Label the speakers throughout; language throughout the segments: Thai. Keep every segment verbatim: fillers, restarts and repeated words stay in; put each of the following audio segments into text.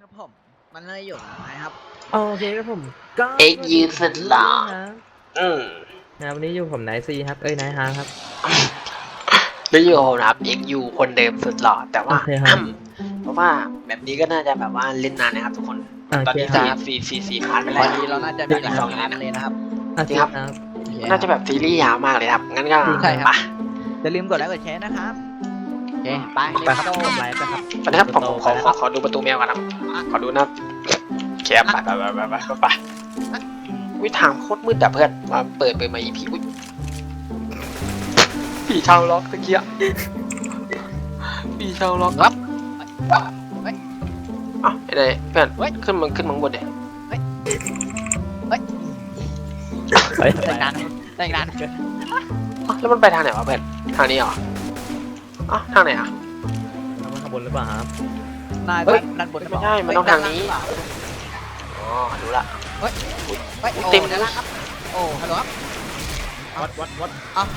Speaker 1: ครับผมมันเลยอยู่นะครับ
Speaker 2: โอเคครับผมก็
Speaker 3: เอ็กยืนสุดหล่อ
Speaker 2: นะ
Speaker 3: อืม
Speaker 2: นะวันนี้อยู่ผมไนซีครับเอ้ยไนฮาร์ครับ
Speaker 3: แล้วอยู่นะครับเอ็กยูคนเดิมสุดหล่อแต่ว่า
Speaker 2: โอเคครับ
Speaker 3: เพราะว่าแบบนี้ก็น่าจะแบบว่าเล่นนานนะครับทุกคน
Speaker 2: โอเค
Speaker 3: ตอนนี้
Speaker 2: ครั
Speaker 3: สี่
Speaker 2: บ
Speaker 3: สี่สี่สี่พันไป
Speaker 1: วั
Speaker 3: แล้
Speaker 1: น
Speaker 3: ว
Speaker 1: นี้เราน่าจะมีหลายงานเลยนะครับ
Speaker 2: อา
Speaker 3: จริ
Speaker 2: ทิ
Speaker 3: ง
Speaker 2: ต
Speaker 3: ครับ
Speaker 2: ย์ครับ
Speaker 1: โอเค
Speaker 3: น่าจะแบบซีรีส์ยาวมากเลยครับงั้นก็
Speaker 1: ใช่ครับ
Speaker 3: ไป
Speaker 1: อย่าลืมกดไลค์กดแชร์นะครับโอเคไป
Speaker 2: ไปครับ
Speaker 1: โต้
Speaker 2: กดไลค์ไปครับ
Speaker 3: ไปนะครับผมผมขอ
Speaker 2: ไป
Speaker 3: ขอขอดูประตูแมวกันครับขอดูนะครับแคบไปไปไปไปไปไปไปวิทางโคตรมืดแต่เพื่อนมาเปิดเปิดมาอีพีอุ้ยผีชาวล็อกตะเกียบผีชาวล็อก
Speaker 1: ครับ
Speaker 3: อ่ะไอ้ไหนเพื่อนขึ้นมันขึ้นมังบนเด็
Speaker 2: เฮ้ย
Speaker 1: ได้งานได้งานเกิน
Speaker 3: แล้วมันไปทางไหนวะเพื่อนทางนี้เหรออ๋อทางไหนอ่ะ
Speaker 2: ข้างบนหรือเปล่าครับ
Speaker 1: นาย
Speaker 3: เฮ้ย
Speaker 1: ด้านบนหรือเป
Speaker 3: ไม่
Speaker 1: ล่า
Speaker 3: ใช่มันต้องทางนี้อ๋อดูละ
Speaker 1: เฮ้ย
Speaker 3: เต็
Speaker 1: เต็
Speaker 3: ม
Speaker 1: มด้านล่างครับโอ้ฮัลโหลครับ
Speaker 2: วัดวัดวัด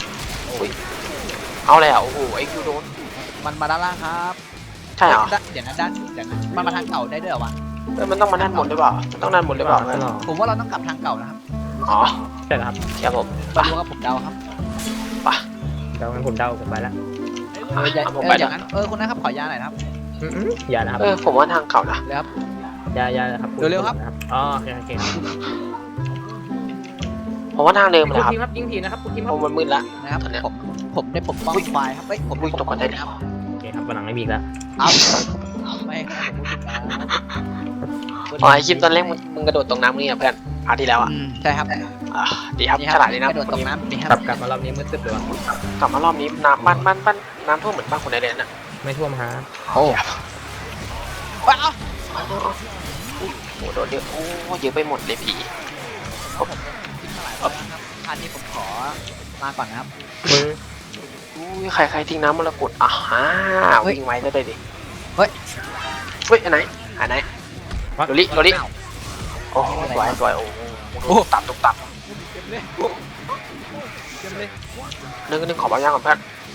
Speaker 3: เอาเลยอ่ะโอ้โหไอ้คิวโดน
Speaker 1: มันมาด้านล่างครับ
Speaker 3: ใช่เหรอ
Speaker 1: ด้านเดี๋ยวนะด้านเดี๋ยวนะมันมาทางเก่าได้ด้วยเหรอวะ
Speaker 3: เออมันต้องมาด้านบนหรือเปล่ามันต้องด้านบนหรือเปล่า
Speaker 2: ไม่หรอก
Speaker 1: ผมว่าเราต้องกลับทางเก่านะครับ
Speaker 3: อ๋อ
Speaker 2: ใช่แล้วครับ
Speaker 3: ครับผม
Speaker 1: ไม่รู้ครับผมเดาครับ
Speaker 2: เดางั้นผมเดาผมไปแล้ว
Speaker 1: เอออย่า
Speaker 3: ผม
Speaker 1: เอ
Speaker 3: ไป
Speaker 1: ออ
Speaker 3: แล้
Speaker 1: ย่าว งนั้นเออคุณนะครับขอยาหน่อยนะครับ
Speaker 2: อืมๆอย่านะครับ
Speaker 3: เออผมว่าทางเก่านะ
Speaker 1: เลยครับ
Speaker 2: อย่าอย่านะครับ
Speaker 1: เร็วๆครับ
Speaker 2: อ๋อโอเคโอเคครับ
Speaker 3: ผมว่าทางเดิม
Speaker 2: คุ
Speaker 3: เลย
Speaker 2: ณ
Speaker 3: ครับ
Speaker 2: ทีมครับยิงทีนะครับคุณทีมค
Speaker 3: เพ
Speaker 2: รับ
Speaker 3: ราะมันมืดละ
Speaker 1: นะครับ
Speaker 3: ตอนเนี้ย
Speaker 1: ผมผมได้ปกป้องควายครับเฮ้ยผม
Speaker 3: อุ้ยตกก่อนได้ดิ
Speaker 1: ครับ
Speaker 2: โอเคครับวันหลังไม่มีอีกแล้ว
Speaker 1: เอาเอาไม่ครับผมพูดถึงนะ
Speaker 3: อ๋อไอคิมตอนแรกมึงมึงกระโดดตรงน้ำนี่อ่ะเพื่อนพาร์ทที่แล้วอ่ะ
Speaker 1: อืมใช่ครับ
Speaker 3: อ่าดีครับ
Speaker 1: นี่
Speaker 3: ฉลาดดีนะ
Speaker 1: กระโดดตกน้ำนี่ค
Speaker 2: กลั
Speaker 1: รั
Speaker 2: บบ กลับมารอบนี้มืดตึ๊บเลยวะ
Speaker 3: กลับมารอบนี้น้ำบ้านบ้านบ้านน้ำท่วมเหมือนบ้านคนในเรนอ่ะ
Speaker 2: ไม่ท่วมฮะ
Speaker 1: โอ้ว้าว
Speaker 3: โอ้โหโดนเยอะโอ้เยอะไปหมดเลยผี
Speaker 1: ทิ้งมาหลายวันแล้วครับอันนี้ผมขอมาก่อนนะครับ
Speaker 2: มือ
Speaker 3: อุ้ยใครใครทิ้งน้ำมรกตอ่ะฮ่า
Speaker 1: เฮ้ย
Speaker 3: วิ่งไว้ได้เลยดิ
Speaker 1: เฮ้ย
Speaker 3: เฮ้ยอันไหนอันไหนโรลิโรลิโอ้สวยสวยโอ้โหตับตุบตับ
Speaker 1: เต็มเลยเต็มเลย
Speaker 3: นึกนึกขอบางอย่างก่อนเพื่อน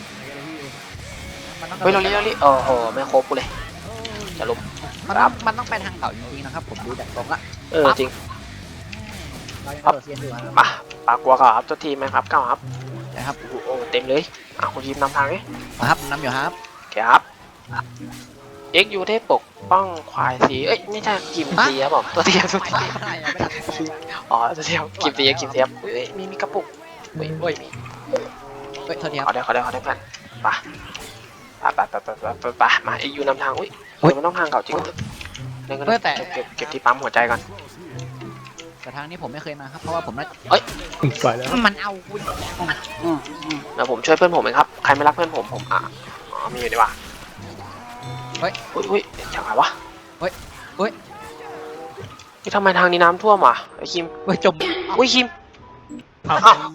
Speaker 1: มันต้อง
Speaker 3: เฮ้ยโรลิโรลิโอ้โหไม่ครบกูเลยจะลุม
Speaker 1: มันต้องมันต้องไปทางเก่าจริงๆนะครับ ผมดูจากตรงละ
Speaker 3: เออจริง
Speaker 1: เรายังกระโดดเซียนอยู่นะครับ
Speaker 3: อ่ะปากกลัวก่อนครับตัวทีมไหมครับเก้าครับ
Speaker 1: นะครับ
Speaker 3: โอ้โหเต็มเลยอ่ะคุณทีมนำทางนี่
Speaker 1: นะครับน้ำอยู่ครับ
Speaker 3: ครับเอ็กยูเทพปกป้องควายสีเอ้ยไม่ใช่กิมสีครับผมตัวเทียมตัว
Speaker 1: ไม่
Speaker 3: เทียม
Speaker 1: ได้ไม่ได้
Speaker 3: อ๋อตัวเทียมกิมสีกิมเทียมเฮ้ยมีมีกระปุกเฮ้ยเฮ้ยมี
Speaker 1: เฮ้ยโทษทีค
Speaker 3: ขอ
Speaker 1: รับ
Speaker 3: ได้ขอได้ขอได้เพื่อนไปไปไปไปไปไปไปมาเอ็กยูนำทางอุ้ย
Speaker 1: เฮ้ย
Speaker 3: มันต้องทางเก่าจริงนั่นก็
Speaker 1: เฮ้ยแต่
Speaker 3: เก็บเก็บที่ปั๊มหัวใจก่อน
Speaker 1: แต่ทางนี้ผมไม่เคยมาครับเพราะว่าผมน่า
Speaker 2: ปล่อยแล้ว
Speaker 1: มันเอาคุณ
Speaker 3: เดี๋ยวผมช่วยเพื่อนผมเองครับใครไม่รักเพื่อนผมผมอ่ะอ๋อมีอยู่ดีว่า
Speaker 1: เฮ้ย
Speaker 3: อุ้ยอุ้ยอย่างไรวะ
Speaker 1: เฮ้ยเฮ้ย
Speaker 3: นี่ทำไมทางนี้น้ำท่วมอ่ะไอ้คิม
Speaker 1: เฮ้ยจม
Speaker 3: อุ้ยคิม
Speaker 2: เอา
Speaker 3: อ้าว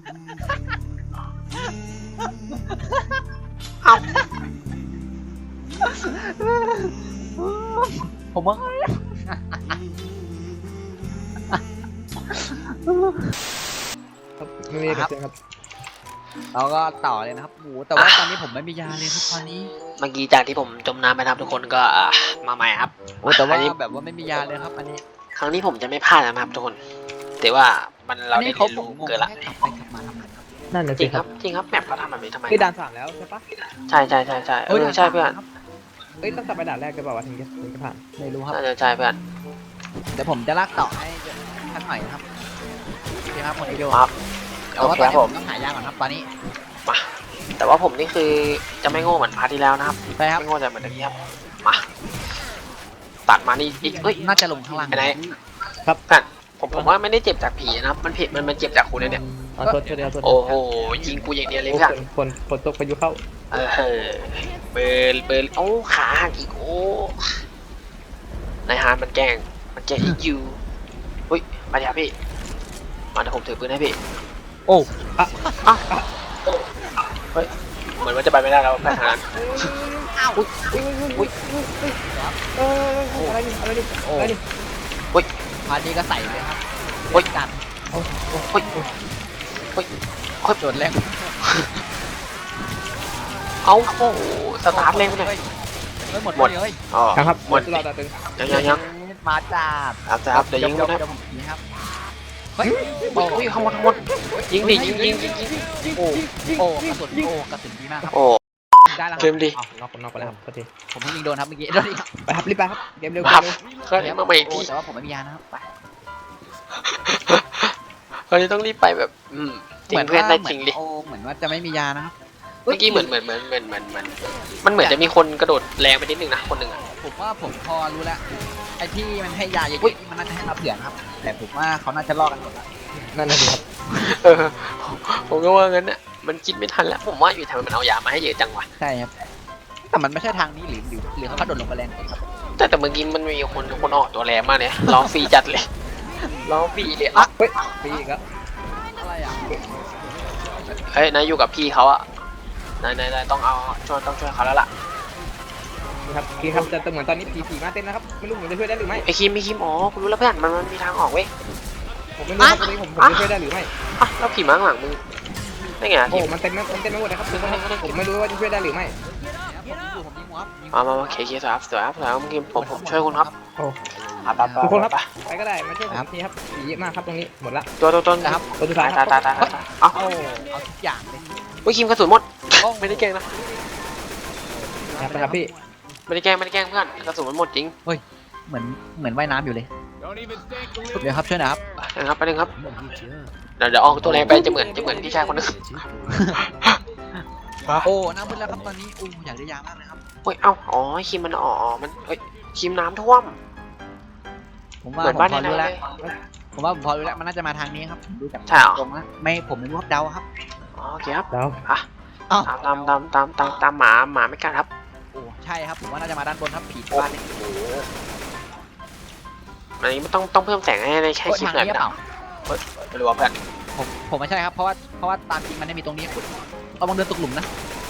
Speaker 3: อ้าว
Speaker 1: ผมว่า
Speaker 2: ไม่มีกระเซ็นครับ
Speaker 1: เราก็ต่อเลยนะครับโอ้โหแต่ว่าตอนนี้ผมไม่มียาเลยครับตอนนี้
Speaker 3: เมื่อกี้จากที่ผมจมน้ำไปนะครับทุกคนก็อ่ะมาใหม่ครับ
Speaker 1: โอ้แต่ว่า
Speaker 3: อันนี้
Speaker 1: แบบว่าไม่มียาเลยครับอันนี้
Speaker 3: ครั้งนี้ผมจะไม่พลาดนะครับทุกคน แต่ว่ามันเรา
Speaker 1: อัน
Speaker 3: ได้
Speaker 1: นี้เขา
Speaker 3: เรียน
Speaker 1: ผม
Speaker 3: รู้
Speaker 1: งง
Speaker 3: เกินละ
Speaker 1: ให้กลับไปกลับมาทำไมครับ
Speaker 2: นั่นนะ
Speaker 3: จริ
Speaker 2: สิ
Speaker 3: ง
Speaker 2: ค
Speaker 3: ค
Speaker 2: รั
Speaker 3: รับ บจริงครับแมปเขาทำแบบนี้ทำไม
Speaker 2: คือด่านสามแล้วใช่ปะ
Speaker 3: ใช่ใช่ใช่ใช่เออใช่เพื่อน
Speaker 1: ครับ
Speaker 2: เอ้ยต้องกลับไปด่านแรกกันเปล่าวะถึงจะถึงจะผ่าน
Speaker 1: ไม่รู้ครับ
Speaker 3: น่าจะใช่เพื่อน
Speaker 1: เดี๋ยวผมจะลากต่อให้ท่านหน่อยนะครับโอเคครับคนเดียว
Speaker 3: ครับ
Speaker 1: แต่
Speaker 3: โอ
Speaker 1: ว่า
Speaker 3: เค
Speaker 1: ตอน
Speaker 3: ครับ
Speaker 1: นี้ผม ม
Speaker 3: ผ
Speaker 1: ต้องหายาก่อนครับตอนนี้
Speaker 3: มาแต่ว่าผมนี่คือจะไม่โง่เหมือนพาร์ทที่แล้วนะครับ
Speaker 1: ไปครับ
Speaker 3: ไม่โง่แต่เหมือนเมื่อกี้ครับมาตัดมานี่อีกเอ้ย
Speaker 1: น่าจะลงข้างล่าง
Speaker 3: ไปไหน ครับเพื่อนผมผมว่าไม่ได้เจ็บจากผีนะครับมันผิดมันมันเจ็บจากคุณนะเนี่ย
Speaker 2: เอาโทษโทษเดียวโทษ
Speaker 3: โอ้โหยิงกูอย่างเดียวเลย
Speaker 2: โอ้
Speaker 3: เพื่อน
Speaker 2: ฝนฝนตกพายุเข้า
Speaker 3: เออเบิร์นเบิร์นโอ้ขาหักอีกโอ้นายฮานมันแกล้งมันแกล้งอีกยูอุ้ยมาดิครับพี่มาเดี๋ยวผมถือปืนให้พี่
Speaker 1: โอ้
Speaker 3: อ่ะอ่ะเฮ้ยเหมือนว่าจะไปไม่ได้แล้วไปทางนั้น
Speaker 1: อ้าว
Speaker 3: อุ้ยอุ้ย
Speaker 2: เอออะไรนี่อะไรนี่
Speaker 1: โอ้
Speaker 2: อะไรนี่
Speaker 1: พาร์ทนี้ก็ใส่เลยครับ
Speaker 3: โอ้ย
Speaker 1: กัน
Speaker 3: เฮ้ยเฮ้ยเฮ้ย
Speaker 1: โดนแรง
Speaker 3: เอาโอ้โหสตาร์ทเร่งไปเลย
Speaker 1: ฮ้เฮ้ยหมด
Speaker 3: หมด
Speaker 1: เลย
Speaker 3: อ๋อ
Speaker 2: ครับ
Speaker 3: หมด
Speaker 2: ตลอดต่อตึง
Speaker 3: ยังยังยัง
Speaker 1: มาจับ
Speaker 3: ครับครับเดี๋ยวยิง
Speaker 1: เดี๋
Speaker 3: นะ
Speaker 1: ยวผมยิงครับเฮ้ย
Speaker 3: โอ้ยข้างบนข้างบนยิงดิยิงยิงยิงยิง
Speaker 1: โอ้โอ้กระสุนโอ้กระสุนดีมากครับ
Speaker 3: โอ้
Speaker 1: ได้แล้วค
Speaker 3: เก
Speaker 1: รับ
Speaker 3: มดี
Speaker 2: อ้าวนอกนอกไปแล้วครับโทษที
Speaker 1: ผมเพิ่งยิงโดนครับเมื่อกี้โดนอีกครับ
Speaker 2: ไปครับรีบไปครับเกมเร็ว
Speaker 3: ครับ
Speaker 2: เร็ว
Speaker 3: เคยมาใหม่อีก
Speaker 1: โอ้
Speaker 3: ที
Speaker 1: แต่ว่าผมไม่มียานะครับไป
Speaker 3: เราจะต้องรีบไปแบบอืมจริงเพื่อนได้จริงดิ
Speaker 1: โอ้เหมือนว่าจะไม่มียานะครับ
Speaker 3: เมื่อกี้เหมือนเหมือนเหมือนเหมือนเหมือนเหมือนมันเหมือนจะมีคนกระโดดแรงไปนิดนึงนะคนหนึ่งอะ
Speaker 1: ผมว่าผมพอรู้แล้วไอ้ที่มันให้ยาเย
Speaker 3: อุ๊ย
Speaker 1: อะๆมันน่าจะให้มาเผื่อนะครับ แต่ผมว่าเขาน่าจะลอกกันหมดแล้ว
Speaker 2: นั่นน่ะสิครับ
Speaker 3: เออผมก็ว่างั้นน่ะมันคิดไม่ทันแล้วผมว่าอยู่ทำไมมันเอายามาให้เยอะจังวะ
Speaker 1: ใช่ครับแต่มันไม่ใช่ทางนี้หรือหรือหรือเขากระโดดลงไปแรงครับ
Speaker 3: แต่แต่เมื่อกี้มันมีคนคนออกตัวแรงมากเลยร้องฟรีจัดเลยร้องฟรีเลยอ่ะ
Speaker 2: เฮ้ยปีอีกแล้ว
Speaker 1: อะไรอ่ะ
Speaker 3: เฮ้ยนายอยู่กับพี่เขาอะนายนายนายต้องเอาช่วยต้องช่วยเขาแล้วล่ะ
Speaker 2: นี่ครับพี่ครับแต่เหมือนตอนนี้ผีผีมาเต้นนะครับไม่รู้ผมจะช่วยได้หรือไม่
Speaker 3: ไอคิมไอคิมอ๋อคุณรู้แล้วเพื่อนมันมันมีทางออกเว้ย
Speaker 2: ผมไม่รู้ครับตอนนี้ผมผมจะช่วยได้หรือไม่
Speaker 3: อ่ะแล้วผีม้าข้างหลังมึงได้ไงอะ
Speaker 2: โอ้
Speaker 3: คิม
Speaker 2: มันเต็มมันเต็มไปหมดนะครับคือผมไม่รู้ว่าจะช่วยได้หรือไม่
Speaker 1: ผมยิงอยู่ผมยิงหัวครับยิงหัว
Speaker 3: มามามาเคเคสวยครับสวยครับสวยครับคิมผมผมช่วยคุณครับ
Speaker 2: โอ้
Speaker 3: อ่ะไปไป
Speaker 2: ทุกคนครับ
Speaker 3: ไป
Speaker 2: ไปก็ได้มาช่วยผมทีครับผีเยอะมากครับตรงนี้หมดละ
Speaker 3: ตัวตัวต้น
Speaker 1: นะครับ
Speaker 2: ตัวสุดท้า
Speaker 3: ตาย ย
Speaker 2: ค
Speaker 3: ตา
Speaker 2: รั
Speaker 3: ย
Speaker 2: บ
Speaker 3: ตายตายตายเอ้า
Speaker 1: โอ้เอาทุกอย่างเลย
Speaker 3: อุ้ยคิมกระสุนหมด
Speaker 1: โอ้
Speaker 3: ไม่ได้แกล้งนะ
Speaker 2: ครับไปครับพี่
Speaker 3: ไม่ได้แกล้งไม่ได้แกล้งเพื่อนกระสุนมันหมดจริง
Speaker 1: เหมือนเหมือนว่ายน้ำอยู่เลยเดี๋ยวครับช่วยหนะครับ
Speaker 3: นะครับไปหนึ่งครับเดี๋ยวเดี๋ยวออกตัวแรงไปจะเหมือนจะเหมือนพี่ชายคนนึง
Speaker 1: โอ้น้ำมืดแล้วครับตอนนี้โอ้อยากได้ยามากเลยครับ
Speaker 3: เฮ้ยเอ้าอ๋อคิมมันอ๋อมันเฮ้ยคิมน้ำท่วม
Speaker 1: ผม
Speaker 3: เห
Speaker 1: ว่า
Speaker 3: มือน
Speaker 1: ผม
Speaker 3: บ้าน
Speaker 1: พอ
Speaker 3: ใน
Speaker 1: รู้
Speaker 3: เล
Speaker 1: แล้ว
Speaker 3: ย
Speaker 1: ผมว่าผมพอรู้แล้วมันน่าจะมาทางนี้ครับดูจาก
Speaker 3: ใช่เหรอ
Speaker 1: ตรงนะไม่ผมไม่รู้ครับเดาครับ
Speaker 3: อ๋อโอเคครับ
Speaker 2: แล้ว
Speaker 3: อ่ะ
Speaker 1: อ้าว
Speaker 3: ตามตามตามตามตามตามหมาหมาไม่กัดครับ
Speaker 1: โอ้ใช่ครับผมว่าน่าจะมาด้านบนครับผี
Speaker 3: โอ้
Speaker 1: บ้านนี้
Speaker 3: โหอันนี้มันต้องต้องเพิ่มแสงให้ในแค่
Speaker 1: โอ้
Speaker 3: คลิป
Speaker 1: ทาง
Speaker 3: หน่อย
Speaker 1: นี้หรือ
Speaker 3: นะ
Speaker 1: เปล่า
Speaker 3: ไม่รู้ว่าเพื่อน
Speaker 1: ผมผมไม่ใช่ครับเพราะว่าเพราะว่าตามจริงมันไม่มีตรงนี้คุณเราบังเดินตกหลุมนะ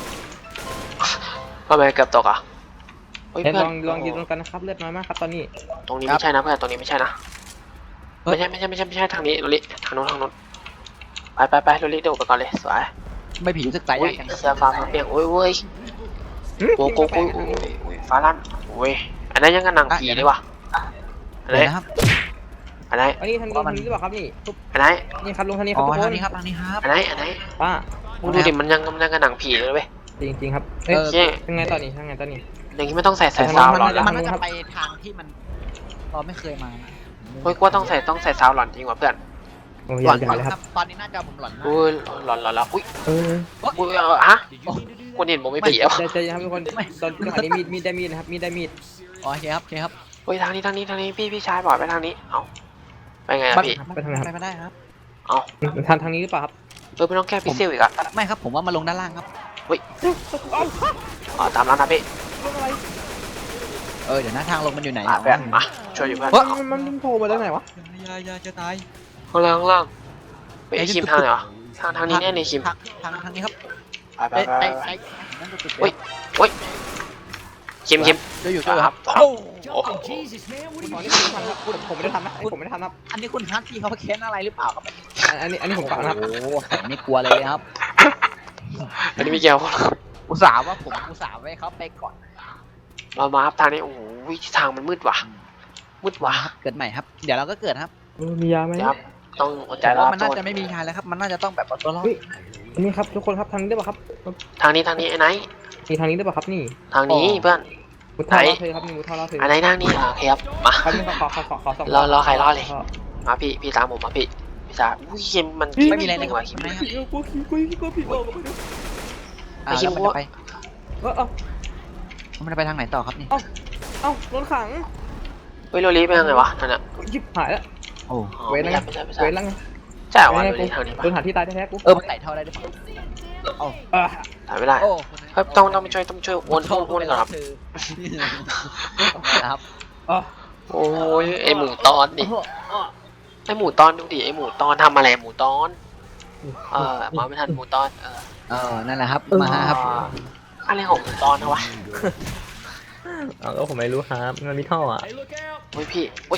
Speaker 3: ทำไมเกือบตกอ่ะเฮ้ย
Speaker 2: เดี๋ยว
Speaker 3: เพื่
Speaker 2: ล
Speaker 3: อน
Speaker 2: องลองยืนตรงกันนะครับเลือดน้อยมากครับตอนนี้
Speaker 3: ตรงนี้ไม่ใช่นะเพื่อนตรงนี้ไม่ใช่นะไม่ใช่ไม่ใช่ไม่ใช่ไม่ใช่ทางนี้โรลิทางโน้นทางโน้นไปไปไปโรลิเดี๋ยวไปก่อนเลยสวย
Speaker 1: ไม่ผีรู้สึกใจ
Speaker 3: อุ้
Speaker 1: ยาย กจัง
Speaker 3: เสื้อฟ้ามาเปียกโอ้ยเว้ยโกโก้โอ้ยโอ้ยโอ้ยฟ้าลั่นโอ้ยอันนั้นยังกันหนังผีเลยว่ะอัน
Speaker 1: เดี๋
Speaker 3: ไหน
Speaker 1: ยวนะครับ
Speaker 3: อันไหน
Speaker 2: อันนี้ทางลงทางนี้หรือเปล่าครับนี่
Speaker 3: อันไหน
Speaker 2: นี่ครับลงทางนี้ค
Speaker 1: อ๋
Speaker 2: รับ
Speaker 1: อ
Speaker 2: ทุกค
Speaker 1: ทาน งนี้ครับทางนี้ครับ
Speaker 3: อันไหนอันไหน
Speaker 2: ป้า
Speaker 3: มึงดูดิมันยังมันยังกันหนังผีเลยเว้ย
Speaker 2: จริงจริงๆครับเอ้ย
Speaker 1: เออ
Speaker 3: เชี่ย
Speaker 2: ยังไงตอนนี้ยังไงตอนนี้
Speaker 3: อย่างนี้ไม่ต้องใส่ใส่
Speaker 2: ทาง
Speaker 3: ซาว
Speaker 2: นั้น
Speaker 3: หลอน
Speaker 2: ทาง
Speaker 3: แล้ว
Speaker 1: มันน่าจะไปทางที่มันเราไม่เคยมานะ
Speaker 3: เฮ้ยกูว่าต้องใส่ต้องใส่ซาวหลอนจริงว่ะเพื่อน
Speaker 2: โอ้ย
Speaker 1: หลอน
Speaker 2: ใหญ่
Speaker 1: ก่อน
Speaker 2: เลย
Speaker 1: ค
Speaker 2: ค
Speaker 1: รั
Speaker 2: รั
Speaker 1: บบ ตอนนี้น่าจะผมหลอนมาก
Speaker 3: อุ้ยหลอนหลอนแล้วอุ้ย
Speaker 2: เออ
Speaker 3: อุ้ยเออฮะคนเห็นผมไม่ผีแล้ว
Speaker 2: ใจใจครับทุกคนตอนจังหวะนี้มีดมีดได้มีดนะครับมีดได้มีด
Speaker 1: อ๋อโอเคครับโอเคครับ
Speaker 3: เฮ้ยทางนี้ทางนี้ทางนี้พี่พี่ชายบอกไปทางนี้เอ้าไปไงอะพี่
Speaker 2: ไปทางไหนครับ
Speaker 1: ไปไม่ได้ครับ
Speaker 3: เอ้า
Speaker 2: ทางทางนี้หรือเปล่าครับ
Speaker 3: เออไม่ต้องแก้พิเศษอีกอะ
Speaker 1: ไม่ครับผมว่ามาลงด้านล่างครับ
Speaker 3: อ๋อตามร้านนะพี่
Speaker 1: เออเดี๋ยวหน้าทางลงมันอยู่ไหน
Speaker 3: มาเพื่อนมาช่วยอยู่เพื่อน
Speaker 1: เฮ้ย
Speaker 2: มันมันมันโผล่มาจากไหนวะ
Speaker 1: ยายาจะตาย
Speaker 3: ข้างล่างข้างล่างไปไอ้คิมทางไหนวะทางทางนี้แน่เลยคิม
Speaker 1: ทางทางทางนี้ครับ
Speaker 3: ไปไป
Speaker 1: ไอ้
Speaker 3: ไป
Speaker 1: ไอ้
Speaker 3: ไป
Speaker 1: ไอ้นั่นจุด
Speaker 3: เฮ้ยเฮ้ยคิมคิม
Speaker 1: จะอยู่ด้วยครับ
Speaker 3: โอ้โอ้
Speaker 2: คุณหมอนี่ผมไม่ทำครับผมผมไม่ได้ทำนะผมไม่ได้ทำครับ
Speaker 1: อันนี้คุณฮัทที่เขาเค้นอะไรหรือเปล่าครับ
Speaker 2: อันนี้อันนี้ผมฟังนะครับ
Speaker 1: โอ้โหผมไม่กลัวเลยครับ
Speaker 3: อันนี้ไม่เกี่ยว
Speaker 1: อุตส่าห์ว่าผมอุตส่าห์ไว้เขาไปก่อน
Speaker 3: มามาครับทางนี้โอ้โหทางมันมืดว่ะมืดว่ะ
Speaker 1: เกิดใหม่ครับ เดี๋ยวเราก็เกิดครับ
Speaker 2: เออมียาไหม
Speaker 3: เดี๋ยวครับต้องอดใจ
Speaker 1: แต่
Speaker 3: รอ
Speaker 1: ว่า
Speaker 3: ค
Speaker 1: มัน
Speaker 3: รับ
Speaker 1: น่า
Speaker 3: ทุกค
Speaker 1: จะ
Speaker 3: น
Speaker 1: ไม่มีทางแล้วครับ มันน่าจะต้องแบบเอาตัวรอด
Speaker 2: อันนี้ครับทุกคนครับทางนี้ได้ป่ะครับ
Speaker 3: ทางนี้ทางนี้ไอ้ไหน
Speaker 2: มีทางนี้ได้ป่ะครับนี่
Speaker 3: ทางนี้เพื่อน
Speaker 2: มุดท่อล่อเธอครับนี่มุดท่อล่อเธอ
Speaker 3: อันไหนทางนี้อ่ะโอเคครับมา
Speaker 2: ครับนี่ขอขอขอขอสอง
Speaker 3: รอรอใครรอเลย มาพี่พี่ตามผมมาพี่พี่ชายอุ้ยคิมมันคิ
Speaker 1: ไม่มีอะไรเลย
Speaker 3: จ
Speaker 1: ค
Speaker 3: ง
Speaker 1: รับ
Speaker 3: ว่ะคิม
Speaker 1: ไม่ครับ
Speaker 2: ผีกลัวผีกลัวผีกลัวผีกลัวไปดู
Speaker 1: อ่าแล้วมันจะไป
Speaker 2: เออเออ
Speaker 1: มันจะไปทางไหนต่อครับนี่
Speaker 2: เอ้าโดนขัง
Speaker 3: เฮ้ยโรลีไปทางไหนวะนั่นน่ะ
Speaker 2: ยิบหายแล้ว
Speaker 1: โอ้
Speaker 3: อ๋อ
Speaker 2: เว้น
Speaker 3: ไม่
Speaker 2: แล้ว
Speaker 3: ใช่ไม่ใช่ไม่ใช่
Speaker 2: เว้นแล้วไง
Speaker 3: ใช่เหรอวะโรลีทางนี้ปะ
Speaker 2: โดนหาที่ตายแท้ๆกู
Speaker 1: เออมันไต่เท่าได้หรือเปล่าโอ้
Speaker 2: เออ
Speaker 3: ถ่ายไม่ได้
Speaker 1: โอ้
Speaker 3: เฮ้ยต้องต้องไปช่วยต้องช่วยโอนโอนโอนก่อนครับ
Speaker 1: ครับ
Speaker 2: เออ
Speaker 3: โอ้ยไอหมูตอนดิไอหมูตอนดูดิไอหมูตอนทำอะไรหมูตอนเออมาไม่ทันหมูตอนเออ
Speaker 1: เออนั่นแหละครับมาครับ
Speaker 3: อะไรของหมูตอนนะวะ
Speaker 2: เอาแล้วผมไม่รู้ครับมันมีท่ออ่ะ
Speaker 3: โอ้ยพี่โอ้ย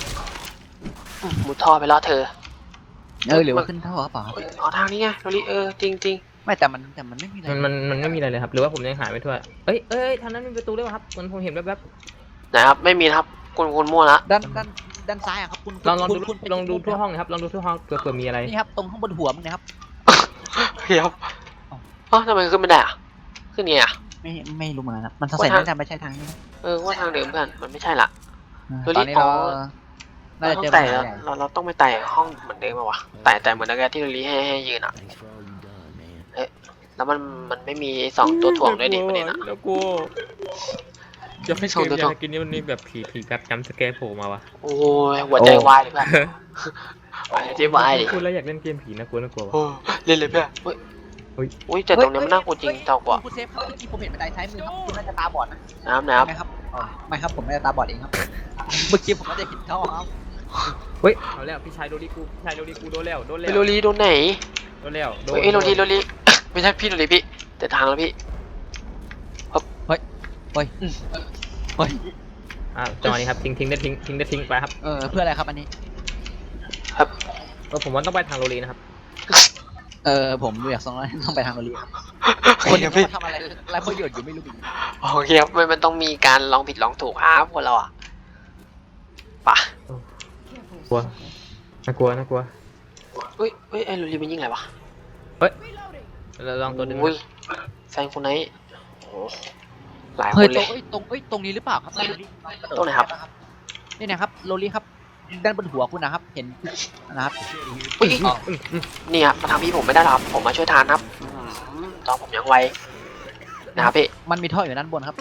Speaker 3: หมูท่อไปล่อเธอ
Speaker 1: เออหรือว่าขึ้นเท่าหรือเปล่าครับ
Speaker 3: เอ้ยอ๋อทางนี้ไงโรลีเออจริงจริง
Speaker 1: ไม่แต่มันแต่มันไม่มีอะไร
Speaker 2: มันมันมันไม่มีอะไรเลยครับหรือว่าผมยังหาไม่ทั่วเอ้ยเอ้ยทางนั้นมีประตูด้วยครับมันผมเห็นแวบ
Speaker 3: ไหนครับไม่มีนะครับคุณคุณมั่วละ
Speaker 1: ด้านด้านด้านซ้ายอะครับคุณ
Speaker 2: ๆลองลองดู
Speaker 1: คุณคุณ
Speaker 2: ลองดูทั่วห้องนะครับลองดูทั่วห้องเผื่อเผื่อมีอะไร
Speaker 1: นี่ครับตรงข้างบนหัวมึงนะครับ
Speaker 3: เฮ้ยครับอ๋อทำไมขึ้นไม่ได้อะขึ้นไงอะ
Speaker 1: ไม่ไม่รู้เหมือนกันครับมันสงสัยน่าจะไม่ใช่ทางนี้นะ
Speaker 3: เออว่าทางเดิมเพื่อนมันไม่ใช่ละ
Speaker 1: ตอนนี้เราน่าจะเจอปั
Speaker 3: แต่
Speaker 1: ญหาใหญ่
Speaker 3: เราเราต้องไปไต่ห้องเหมือนเดิมป่าวะไต่แต่เหมือนนักเรียนที่เราลีให้ให้ยืนอ่ะเอ๊ะแล้วมันมันไม่มีสองตัวถ่วงด้วยดิประเด็นอ่ะ
Speaker 2: แล้วกูจะให้
Speaker 3: ส่ง
Speaker 2: เกม
Speaker 3: ตัว
Speaker 2: ยา
Speaker 3: ถ่วง
Speaker 2: กินนี่มันมีแบบผีผีแบบจำสแกร์โผล่มาวะ
Speaker 3: โอ้ยหัวใจวายเลยเพื่อนหัวใจวายดิ
Speaker 2: พูดแล้วอยากเล่นเกมผีนะกลัวนะกลัววะ
Speaker 3: โอ้เล่นเลยเพื่อนเฮ้ย
Speaker 2: เฮ้ย
Speaker 3: อุ้ยแต่ตรงเนี้ยมันน่ากลัวจริงเจ้ากว่า
Speaker 1: คุณเซฟครับเมื่อกี้ผมเห็นบันไดซ้ายมือครับคุณน่าจะตาบอดนะ
Speaker 3: น้ำนะครับ
Speaker 1: ไม่ครับอ๋อไม่ครับผมไม่ได้ตาบอดเองครับ เมื่อกี้ผมก็จะเห็นท่อครับ
Speaker 2: เฮ้ยเอาแล้วพี่ชายโดนดิกูพี่ชายโดนดิกูโดนแล้วโดนแล้
Speaker 3: ไป
Speaker 2: ว
Speaker 3: โรลีโดนไหน
Speaker 2: โดนแล้วโดน
Speaker 3: เฮ้ยโรลีโรลีไม่ใช่พี่โรลีพี่แต่ทางแล้วพี่
Speaker 1: เฮ้ย
Speaker 2: อ่าจังหวะนี้ครับทิ้งทิ้งได้ทิ้งทิ้งได้ทิ้งไปครับ
Speaker 1: เออเพื่ออะไรครับอันนี้
Speaker 3: ครับ
Speaker 2: เออผมว่าต้องไปทางโรลีนะครับ
Speaker 1: เออผมอยากส่งแล้วต้องไปทางโรลีครับ
Speaker 3: ค
Speaker 1: คน
Speaker 3: น
Speaker 1: นี้
Speaker 3: พี่
Speaker 1: เขาทำอะไรไรประโยชน์อยู่ไม่รู้
Speaker 3: โอเคครับมันมันต้องมีการลองผิดลองถูกครับพวกเราอ่ะปะ
Speaker 2: กลัวน่ากลัวน่ากลัว
Speaker 3: เฮ้ยเฮ้ยไอ้โรลีมันยิงอะไรวะ
Speaker 2: เราลองตัวดึง
Speaker 3: อุ้ยแซงคนไหนโอ้หลายค
Speaker 1: เฮ้ย
Speaker 3: น
Speaker 1: ต
Speaker 3: เล
Speaker 1: รง
Speaker 3: ย
Speaker 1: เอ้ยตรงเอ้ยตรงนี้หรือเปล่าครับ
Speaker 3: ตรงไหนครับ
Speaker 1: นี่นะครับโรลีครับด้านบนหัวคุณนะครับ เห็นนะครับ
Speaker 3: อุ้ย
Speaker 1: อ๋อ
Speaker 3: นี่ครับมาทำพี่ผมไม่ได้หรอกครับผมมาช่วยทานครับอืมตอนผมยังไวนะครับพี่
Speaker 1: มันมีท่ออยู่ด้านบนครับ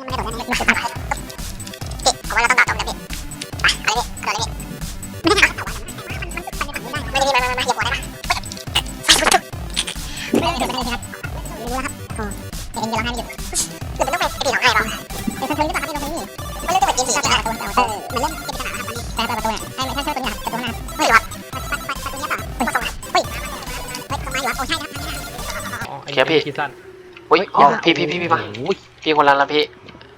Speaker 2: อ๋อไอ้นี่คิดสั้น
Speaker 3: อุ้ยอ๋อพี่พี่พี่พี่มา
Speaker 1: โอ้ย
Speaker 3: พี่คนละละพี่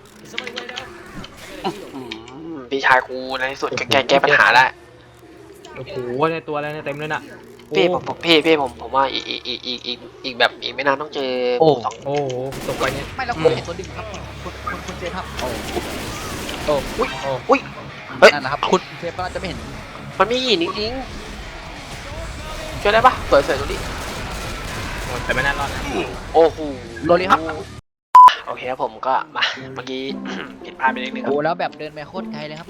Speaker 3: อืมพี่ชายกูในที่สุดก็แก้แก้ปัญหาได้
Speaker 2: โอ้โหในตัวอะไรเนี่ยเต็มเลยน่ะ
Speaker 3: พี่ผมผมพี่พี่ผมผมว่าอีกอีกอีกอีกอีกอีกแบบอีกไม่นานต้องเจอสอง
Speaker 2: โอ้โหตกไปเนี่ย
Speaker 1: ไม่แล้วคุณเห็นตัวดึงครับคุณคุณคุณเซฟครับโอ้โอ้อุ้ย
Speaker 2: โอ้
Speaker 3: อุ้ยเฮ้ย
Speaker 1: นั่นแหละครับคุณเซฟก็น่าจะไม่เห็น
Speaker 3: มันมีหินจริงๆช่วยได้ปะเปิดเสร็จดูดิ
Speaker 2: โหแต่ไม่น่ารอดนะ
Speaker 3: โอ้โห
Speaker 1: โรลีครับ
Speaker 3: โอเคครับผมก็มาเมื่อกี้ ผิดพลาดไปนิดนึงครั
Speaker 1: โอ้
Speaker 3: บ
Speaker 1: แล้วแบบเดินไปโคตรไกลเลยครับ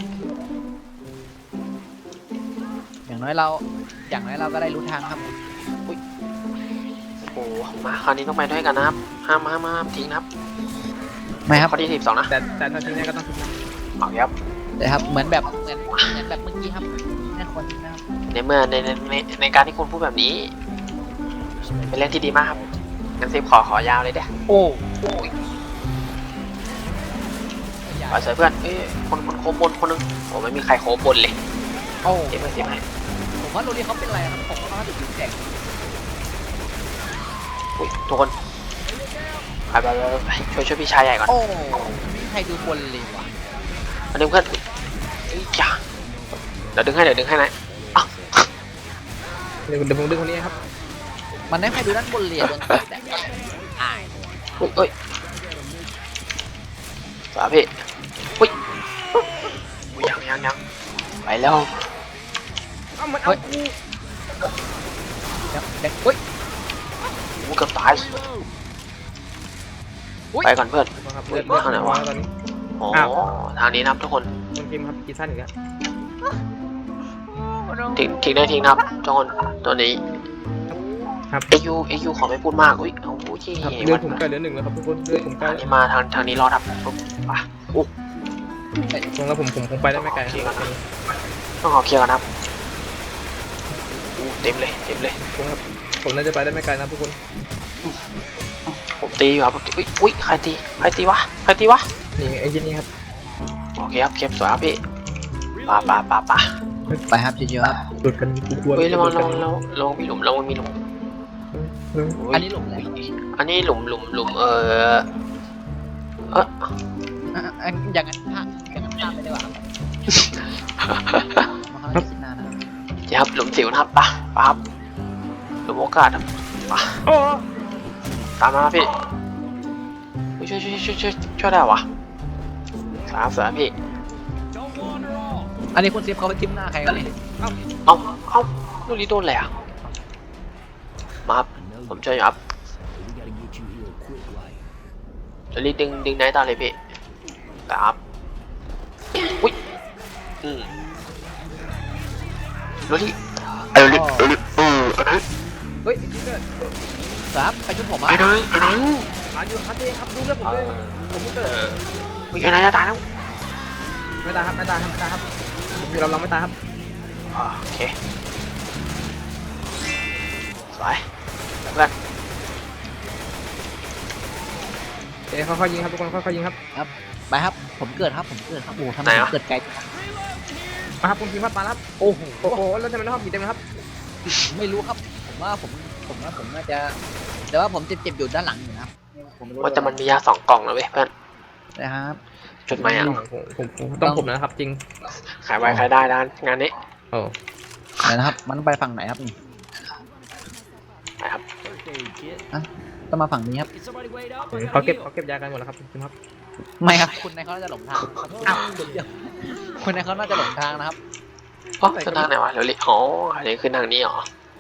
Speaker 1: อย่างน้อยเราอย่างน้อยเราก็ได้รู้ทางครับ
Speaker 3: โอ้โหมาคราวนี้ต้องไปด้วยกันนะครับห้ามห้ามห้ามทิ้งนะครับ
Speaker 1: ไม่ครับ
Speaker 3: ข้อที่สิบสองนะ
Speaker 2: แต่แต่ถ้าทิ้งได้ก็ต้องทิ้งนะ
Speaker 3: โอเคครับ
Speaker 1: แต่ครับเหมือนแบบเหมือนเหมือนแบบเมื่อกี้ครับน่าควรนะครับ
Speaker 3: ในเมื่อในในในในการที่คุณพูดแบบนี้ เป็นเรื่องที่ดีมากครับงั้นซิฟขอขอยาวเลยเด้อโอ้โหไปเสยเพื่อนเอ้ยคนคนโคบบนคนหนึงโอ้ไม่มีใครโคบบนเลย
Speaker 1: โอ้
Speaker 3: เจ็บไหมเจ็บไหม
Speaker 1: ผมว่าโรลีเขาเป็นอะไรครับผมว่าเขาถึงแจก
Speaker 3: อุ้ยทุกคนไปไปไปไปช่วยช่วยพี่ชายใหญ่ก่อน
Speaker 1: โอ้ไม่มีใครดูบนเลยว่ะ
Speaker 3: มาดึงเพื่อนเอ้ยจ้าเดี๋ยวดึงให้เดี๋ยวดึงให้นะอ้าว
Speaker 2: เดี๋ยวเดี๋ยวผมดึงคนนี้ครับ
Speaker 1: มันไม่ใครดูด้านบนเลยโดนแต่อาย
Speaker 3: อุ้ยเอ้ยสวัสดีพี่อุ้ยอุ้ยยังยังยังไปแล้ว
Speaker 2: เอ้ามันเอากู
Speaker 1: เดี๋ยวเดี๋ยวเฮ้ย
Speaker 3: กูเกือบตาย
Speaker 1: อุ๊ย
Speaker 3: ไปก่อนเพื่อน
Speaker 2: ครับเลือดเลือด
Speaker 3: ทางไหนวะ
Speaker 2: ตอนนี้
Speaker 3: โอ้
Speaker 2: อ้าว
Speaker 3: ทางนี้นะครับทุกคน
Speaker 2: คนพิมพ์ครับคิดสั้นอีกแล้ว
Speaker 3: ทิ้งทิ้งได้ทิ้งนะครับทุกคนตัวนี้
Speaker 2: ครับ
Speaker 3: เอยูเอยูขอไม่พูดมากอุ้ยโอ้โหที่
Speaker 2: ครับเลือดผมใกล้เหลือหนึ่งแล้วครับทุกคนเลือดผมใกล้
Speaker 3: ทางนี้มาทางทางนี้รอดครับปุ๊บไปอู้
Speaker 2: ตรงแล้วผมผมคงไปได้ไม่ไกลครับ
Speaker 3: ต้องขอเคลียร์กันนะครับอู้เต็มเลยเต็มเลย
Speaker 2: ผมครับผมน่าจะไปได้ไม่ไกลนะทุกคน
Speaker 3: ผมตีอยู่ครับผมตีอุ้ยอุ้ยใครตีใครตีวะใครตีวะ
Speaker 2: นี่ไอ้ที่นี่ครับ
Speaker 3: โอเคครับเก็บสวยครับพี่ป่าป่าป่าป่า
Speaker 1: ไปครับเยอะๆครับ
Speaker 2: หลุดกันกูกลัว
Speaker 3: เฮ้ยระวัง
Speaker 2: ห
Speaker 3: ระ
Speaker 2: ลุ
Speaker 3: วั
Speaker 2: ด
Speaker 3: ง
Speaker 2: กัน
Speaker 3: ระวังระวังมีหลุมระวังมีหลุม
Speaker 2: เฮ้ย
Speaker 3: อุ๊ย
Speaker 1: อันนี้หลุมเลย
Speaker 3: อันนี้หลุมหลุมหลุมเออเออ
Speaker 1: อ่ะอ่ะอย่างนั้นพลาดอย่างนั้นพลาดไปดีกว่าครับมาเขาคิดนานนะ
Speaker 3: เดี๋ยวครับหลุมสิวนะครับป่ะป่ะครับหลุมโอกาสครับป่ะ
Speaker 2: โอ้
Speaker 3: ตามมาพี่เฮ้ยช่วยช่วยช่วยช่วยช่วยได้วะสามสามพี่
Speaker 1: อันนี้คุณซิฟเขาไปจิ้มหน้าใครกันนี่
Speaker 3: เอาเอาลูกนี้โดนอะไรอ่ะมาครับผมช่วยอยู่ครับเดี๋ยวรีบดึงดึงไหนตาเลยพี่ครับอุ้ยอืมลูกนี้เออลูกเออลูกเออเออ
Speaker 2: เฮ้ยพี่เกิด
Speaker 1: ครับไปชุบผมอ่ะ
Speaker 3: ไอ้เลยไอ้เลย
Speaker 2: อ่านอยู่ครับพี่ครับดูเรื่องผมเลยผมพี่เกิด
Speaker 3: อุ้ยไอ้นายจะตายแล้ว
Speaker 2: ไม่ตายครับไม่ตายครับไม่ตายครับผมอยู่ลำลำไม่ตายครับ
Speaker 3: โอเคสวยเพื่อน
Speaker 2: เดี๋ยวค่อยๆยิงครับทุกคนค่อยๆยิงครับ
Speaker 1: ไปครับผมเกิดครับผมเกิดครับโอ้ทำไมผมเกิดไกล
Speaker 2: มาครับคุณพิมพ์พัดมาครับ
Speaker 1: โอ้โห
Speaker 2: โอ้โหแล้วทำไมต้องมีเต็มนะครับ
Speaker 1: ไม่รู้ครับผมว่าผมผมว่าผมน่าจะแต่ว่าผมเจ็บๆอยู่ด้านหลังอยู่นะครับผมไม่รู้
Speaker 3: ว่าแต่มันมียาสองกล่องนะเว้ยเพื่อน
Speaker 1: นะครับ
Speaker 3: จุดไหมอ่ะ
Speaker 2: ผมผมผมต้องผมนะครับจริง
Speaker 3: ขายไว้ขายได้ด้านงานนี้
Speaker 2: โอ้
Speaker 1: ไหนนะครับมันไปฝั่งไหนครับนี่
Speaker 3: นะครับ
Speaker 1: ต้องมาฝั่งนี้ครับ
Speaker 2: เขาเก็บเขาเก็บยากันหมดแล้วครับคุณพิมพ์ครับ
Speaker 1: ไม่ครับคุณนายเขาน่าจะหลงทางอ้าวเดี๋ยวคุณนายเขาน่าจะหลงทางนะครับ
Speaker 3: โอ้ขึ้นทางไหนวะเร็วๆอ๋ออันนี้ขึ้นทางนี้เหรอ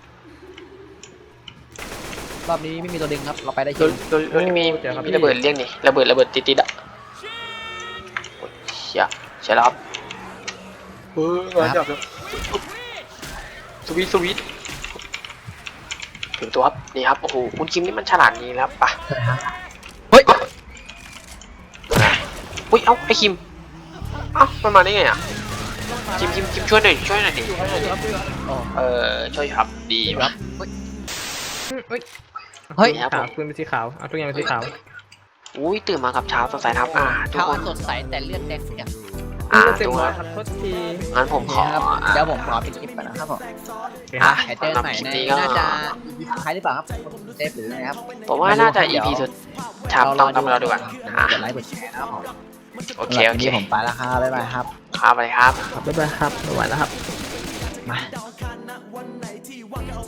Speaker 1: รอบนี้ไม่มีตัวดึงครับเราไปได้
Speaker 3: ร
Speaker 1: ชิ
Speaker 3: ถ
Speaker 1: ว
Speaker 3: รถรถมีมีระเบิดเรียกนี่ระเบิดระเบิดติดๆอ่ะโอ้ยเชี่ยเชี่ยแล้วครับเฮ้ยมาจับแล้วสวีทสวีทถึงตัวครับนี่ครับโอ้โหคุณคิมนี่มันฉลาดนี้แล้วปะ
Speaker 1: เฮ้ย
Speaker 3: อุ้ยเอ้าไอคิมเอ้ามันมาได้ไงอ่ะคิมคิมคิมช่วยหน่อยช่วยหน่อยดิ
Speaker 1: โอ้
Speaker 3: เออช่วยครับดี
Speaker 1: ค
Speaker 3: ค
Speaker 1: รั
Speaker 3: รั
Speaker 1: บบ
Speaker 2: เฮ้ย
Speaker 1: เฮ้ย
Speaker 2: ขาวปืนเป็นสีขาวเอาตัวอย่างเป็นสีขาว
Speaker 3: อุ้ยตื่นมากับเช้าสดใสครับอ่าทุก
Speaker 1: เท้า
Speaker 3: คน
Speaker 1: สดใสแต่เลือดแดงเสีย
Speaker 3: อ่า
Speaker 2: เต็ม
Speaker 3: ทุก
Speaker 2: หม
Speaker 3: ค
Speaker 2: ด
Speaker 3: น
Speaker 2: ครับโทษที
Speaker 3: งั้นผมขอ
Speaker 1: ครับ
Speaker 3: อ่ะ
Speaker 1: เดี๋ยวผมขอปิดคลิปก่อนนะครับผม
Speaker 3: อ่ะ
Speaker 1: หายเจอ
Speaker 3: สำหรับ
Speaker 1: ใหม่
Speaker 3: คลิป
Speaker 1: ใน
Speaker 3: นี้ก็
Speaker 1: น่าจะ อี พี สุดท้ายหรือเปล่าครับเซฟหรือไงครับ
Speaker 3: ผมว่าน่าจะ อี พี สุดชามต้องทำเราดีกว่าอ่ะ
Speaker 1: กดไลค์กดแชร์นะครับผม
Speaker 3: โอเคโอเค
Speaker 1: สำหรับวันนี้ผมไปแล้วครับบ๊ายบายครับ
Speaker 3: ครับไปครับ
Speaker 2: บ๊ายบายครับไม่ไหวแล้วครับ
Speaker 1: มา